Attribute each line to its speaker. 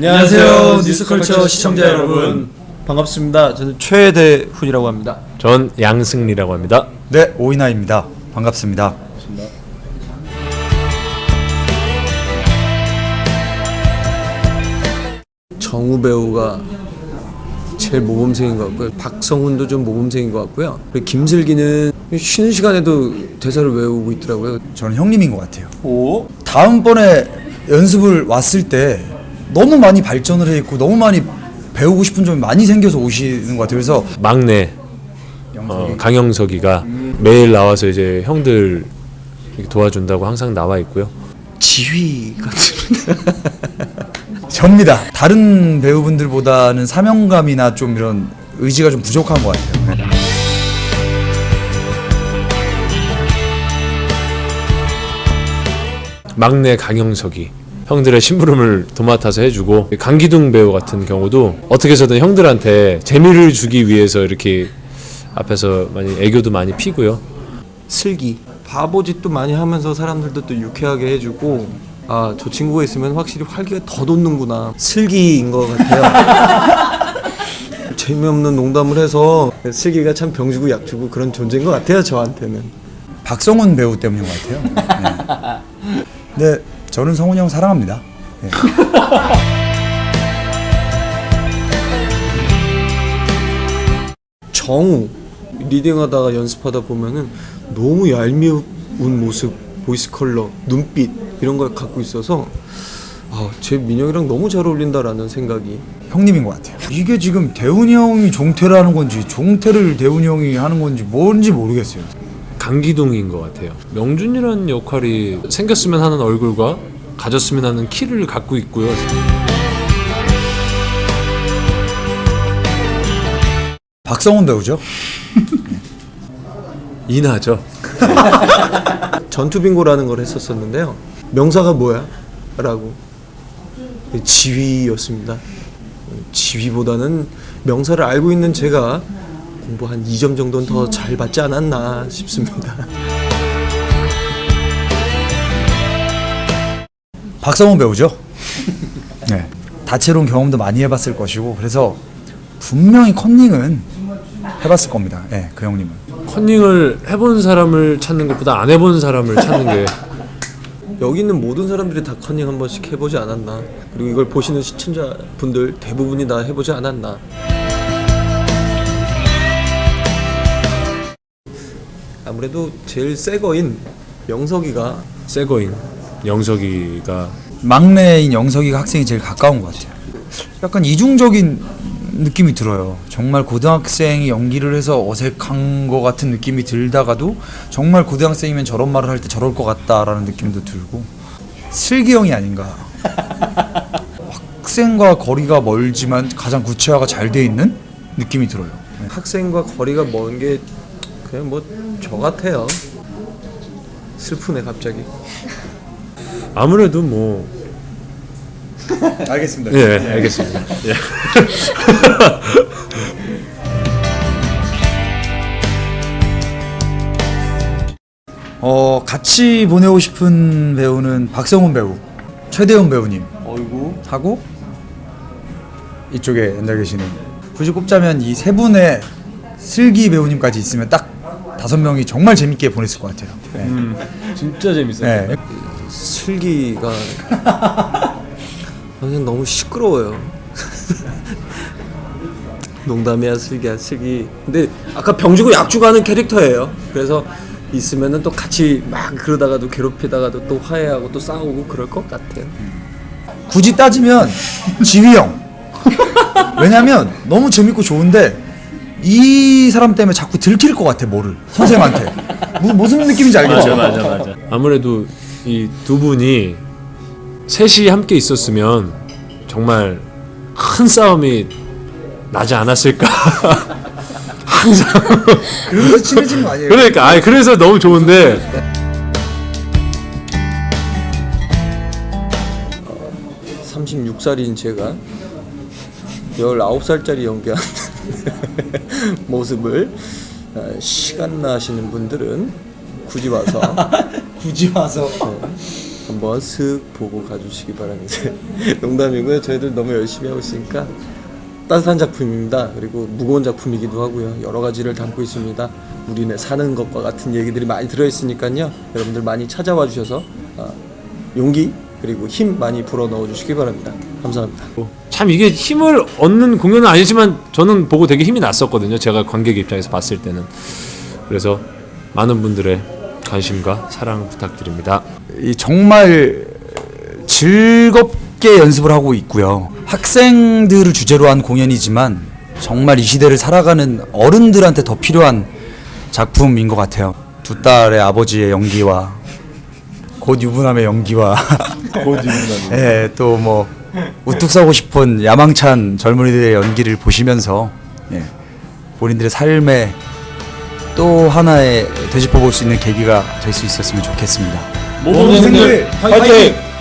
Speaker 1: 안녕하세요 뉴스컬처 시청자 여러분, 반갑습니다. 저는 최대훈이라고 합니다.
Speaker 2: 전 양승리라고 합니다.
Speaker 3: 네, 오이나입니다. 반갑습니다.
Speaker 1: 정우 배우가 제일 모범생인 것 같고요. 박성훈도 좀 모범생인 것 같고요. 그리고 김슬기는 쉬는 시간에도 대사를 외우고 있더라고요.
Speaker 3: 저는 형님인 것 같아요.
Speaker 1: 오?
Speaker 3: 다음번에 연습을 왔을 때 너무 많이 발전을 해 있고 너무 많이 배우고 싶은 점이 많이 생겨서 오시는 것 같아요. 그래서
Speaker 2: 막내 강영석이가 매일 나와서 이제 형들 이렇게 도와준다고 항상 나와 있고요.
Speaker 1: 지휘 같은.
Speaker 3: 접니다. 다른 배우분들보다는 사명감이나 좀 이런 의지가 좀 부족한 것 같아요. 네.
Speaker 2: 막내 강영석이 형들의 심부름을 도맡아서 해주고, 강기둥 배우 같은 경우도 어떻게 해서든 형들한테 재미를 주기 위해서 이렇게 앞에서 많이 애교도 많이 피고요.
Speaker 1: 슬기 바보짓도 많이 하면서 사람들도 또 유쾌하게 해주고, 아, 저 친구가 있으면 확실히 활기가 더 돋는구나. 슬기인 것 같아요. 재미없는 농담을 해서 슬기가 참 병주고 약주고 그런 존재인 것 같아요, 저한테는.
Speaker 3: 박성훈 배우 때문인 것 같아요. 네. 근데 저는 성훈이 형 사랑합니다. 네.
Speaker 1: 정우 리딩하다가 연습하다 보면은 너무 얄미운 모습, 보이스 컬러, 눈빛 이런 걸 갖고 있어서 제 민혁이랑 너무 잘 어울린다라는 생각이.
Speaker 3: 형님인 것 같아요. 이게 지금 대훈이 형이 종태를 하는 건지 종태를 대훈이 형이 하는 건지 뭔지 모르겠어요.
Speaker 2: 강기둥인 것 같아요. 명준이라는 역할이 생겼으면 하는 얼굴과 가졌으면 하는 키를 갖고 있고요.
Speaker 3: 박성훈 배우죠?
Speaker 2: 인하죠.
Speaker 1: 전투빙고라는 걸 했었었는데요. 명사가 뭐야? 라고. 지휘였습니다. 지휘보다는 명사를 알고 있는 제가 공부 한 2점 정도는 더 잘 받지 않았나 싶습니다.
Speaker 3: 박성훈 배우죠? 네. 다채로운 경험도 많이 해봤을 것이고 그래서 분명히 컨닝은 해봤을 겁니다. 네, 그 형님은.
Speaker 2: 컨닝을 해본 사람을 찾는 것보다 안 해본 사람을 찾는 게
Speaker 1: 여기 있는 모든 사람들이 다 컨닝 한 번씩 해보지 않았나. 그리고 이걸 보시는 시청자분들 대부분이 다 해보지 않았나. 아무래도 제일 새 거인 영석이가
Speaker 2: 새거인 영석이가
Speaker 3: 막내인 영석이가 학생이 제일 가까운 것 같아요. 약간 이중적인 느낌이 들어요. 정말 고등학생이 연기를 해서 어색한 것 같은 느낌이 들다가도 정말 고등학생이면 저런 말을 할 때 저럴 것 같다라는 느낌도 들고 슬기 형이 아닌가. 학생과 거리가 멀지만 가장 구체화가 잘 돼 있는 느낌이 들어요.
Speaker 1: 학생과 거리가 먼 게 그냥 뭐 저 같아요. 슬프네 갑자기.
Speaker 2: 아무래도 뭐
Speaker 3: 알겠습니다.
Speaker 2: 예, 알겠습니다. 예.
Speaker 3: 같이 보내고 싶은 배우는 박성훈 배우, 최대훈 배우님
Speaker 1: 어이구.
Speaker 3: 하고 이쪽에 앉아 계시는, 굳이 꼽자면 이 세 분의 슬기 배우님까지 있으면 딱 5명이 정말 재밌게 보냈을 것 같아요. 네.
Speaker 2: 진짜 재밌어요.
Speaker 3: 네.
Speaker 1: 슬기가 그냥 너무 시끄러워요. 농담이야 슬기야 슬기. 근데 아까 병주고 약주고 하는 캐릭터예요. 그래서 있으면은 또 같이 막 그러다가도 괴롭히다가도 또 화해하고 또 싸우고 그럴 것 같아요.
Speaker 3: 굳이 따지면 지휘 형. 왜냐면 너무 재밌고 좋은데 이 사람 때문에 자꾸 들킬 것 같아, 뭐를 선생님한테. 무슨 느낌인지 알겠죠?
Speaker 2: 맞아. 아무래도 이 두 분이 셋이 함께 있었으면 정말 큰 싸움이 나지 않았을까. 항상.
Speaker 3: 그래서 친해진 거 아니에요?
Speaker 2: 그러니까 그래서 너무 좋은데.
Speaker 1: 36살인 제가 19살짜리 연기하는 모습을 시간 나시는 분들은 굳이 와서
Speaker 3: 굳이 와서
Speaker 1: 한번 한번 슥 보고 가주시기 바랍니다. 농담이고요. 저희들 너무 열심히 하고 있으니까 따뜻한 작품입니다. 그리고 무거운 작품이기도 하고요. 여러 가지를 담고 있습니다. 우리네 사는 것과 같은 얘기들이 많이 들어있으니까요. 여러분들 많이 찾아와 주셔서 용기 그리고 힘 많이 불어 넣어 주시기 바랍니다. 감사합니다.
Speaker 2: 참 이게 힘을 얻는 공연은 아니지만 저는 보고 되게 힘이 났었거든요. 제가 관객 입장에서 봤을 때는. 그래서 많은 분들의 관심과 사랑 부탁드립니다.
Speaker 3: 이 정말 즐겁게 연습을 하고 있고요. 학생들을 주제로 한 공연이지만 정말 이 시대를 살아가는 어른들한테 더 필요한 작품인 것 같아요. 두 딸의 아버지의 연기와 곧 유부남의 연기와 예, 또 뭐 우뚝 서고 싶은 야망찬 젊은이들의 연기를 보시면서 예, 본인들의 삶에 또 하나의 되짚어볼 수 있는 계기가 될 수 있었으면 좋겠습니다.
Speaker 2: 모범생들 화이팅!